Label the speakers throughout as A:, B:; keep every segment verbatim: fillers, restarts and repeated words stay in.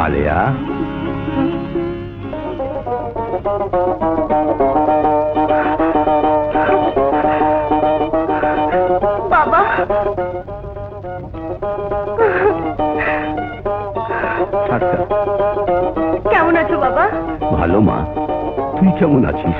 A: আলেয়া,
B: বাবা, কেমন আছো বাবা?
A: ভালো মা, তুই কেমন আছিস?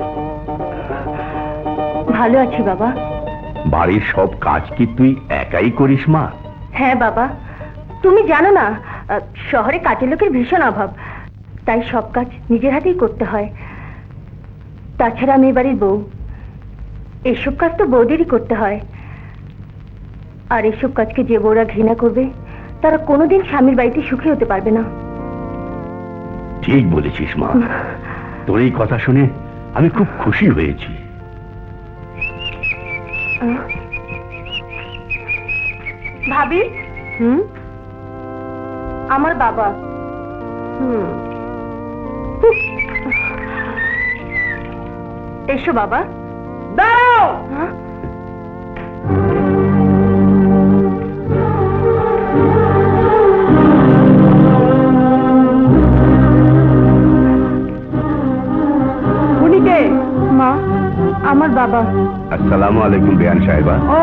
B: ভালো আছি বাবা।
A: বাড়ির সব কাজ কি তুই একাই করিস মা?
B: হ্যাঁ বাবা, তুমি জানো না শহরে কাজের লোকের ভীষণ অভাব, তাই সব কাজ নিজের হাতেই করতে হয়। তাছাড়া আমি বাড়ির বউ, এসব কাজ তো বউদেরই করতে হয়। আর এসব কাজকে যে বউরা ঘৃণা করবে তারা কোনোদিন স্বামীর বাড়িতে সুখী হতে পারবে না।
A: ঠিক বলেছিস মা, তোর এই কথা শুনে আমি খুব খুশি হয়েছি।
B: ভাবি, হুম, আমার বাবা। হুম, এসো বাবা। দাঁড়াও। উনি কে? মা, আমার বাবা।
A: আসসালামু আলাইকুম বেয়ান সাহেবা।
B: ও,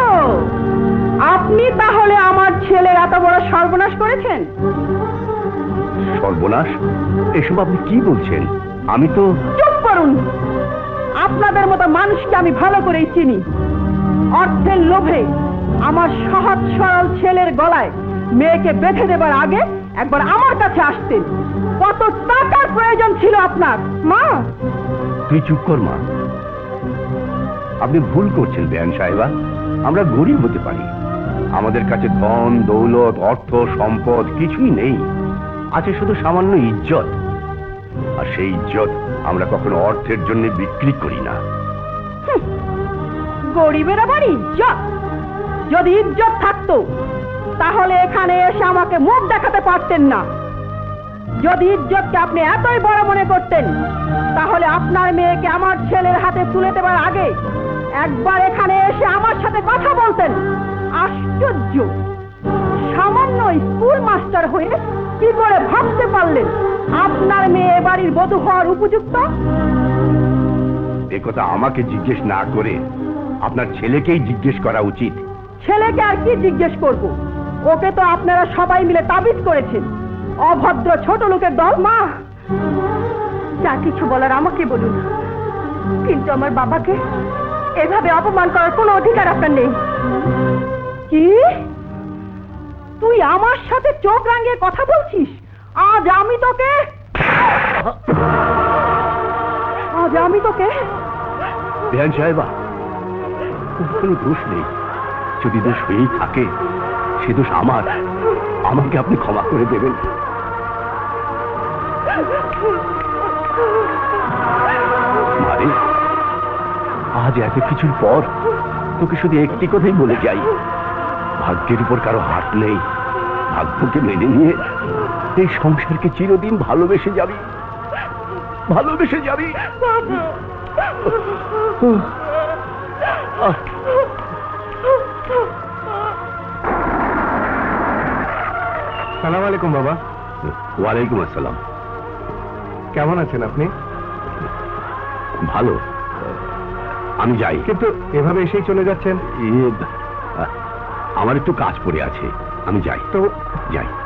B: আপনি তাহলে আমার ছেলের এত বড় সর্বনাশ করেছেন?
A: সর্বনাশ? এসব আপনি কি বলছেন? আমি তো...
B: চুপ করুন, আপনাদের মতো মানুষকে আমি ভালো করেই চিনি। অর্থের লোভে আমার সহজ সরল ছেলের গলায় মেয়েকে বেঁধে দেবার আগে একবার আমার কাছে আসতেন। কত টাকার প্রয়োজন ছিল আপনার? মা,
A: তুই চুপ কর মা, আপনি ভুল করছেন বেয়ান সাহেবা। আমরা গরিব হতে পারি, আমাদের কাছে ধন দৌলত অর্থ সম্পদ কিছুই নেই, আছে শুধু সামান্য ইজ্জত। আর সেই ইজ্জত আমরা কখনো অর্থের জন্য বিক্রি করি না।
B: গরিবের আবার ইজ্জত? যদি ইজ্জত থাকতো তাহলে এখানে এসে আমাকে মুখ দেখাতে পারতেন না। যদি ইজ্জতকে আপনি এতই বড় মনে করতেন তাহলে আপনার মেয়েকে আমার ছেলের হাতে তুলে দেবার আগে একবার এখানে এসে আমার সাথে কথা বলতেন। আশ্চর্য, সামান্য স্কুল মাস্টার হয়ে কি করে ভাবতে পারলেন আপনার মেয়ে বাড়ির বধূ হওয়ার উপযুক্ত?
A: এ কথা আমাকে জিজ্ঞেস না করে আপনার ছেলেকেই জিজ্ঞেস করা উচিত।
B: ছেলেকে আর কি জিজ্ঞেস করব? ওকে তো আপনারা সবাই মিলে তাবিজ করেছেন। অভদ্র ছোট লোকের দল। মা, যা কিছু বলার আমাকে বলুন, কিন্তু আমার বাবাকে এভাবে অপমান করার কোনো অধিকার আপনার নেই। কি? তুই আমার সাথে চোখ রাঙিয়ে কথা বলছিস? আজ আমি তোকে আজ আমি তোকে
A: বেয়ান সাহেবা, কোনো দোষ নেই। যদি দোষ হয়েই থাকে সে দোষ আমার, আমাকে আপনি ক্ষমা করে দেবেন। মারে, আজ এত কিছুর পর তোকে শুধু একটি কথাই বলে যাই, ভাগ্যের উপর কারো হাত নেই। ভাগ্যকে মেনে নিয়ে এই সংসারকে চিরদিন ভালোবেসে যাবি, ভালোবেসে যাবি।
C: সালাম আলাইকুম বাবা।
A: ওয়ালাইকুম আসসালাম।
C: কেমন আছেন আপনি?
A: ভালো, আমি যাই।
C: কিন্তু এভাবে এসেই চলে যাচ্ছেন?
A: আমার একটু কাজ পড়ে আছে, আমি যাই।
C: তো
A: যাই।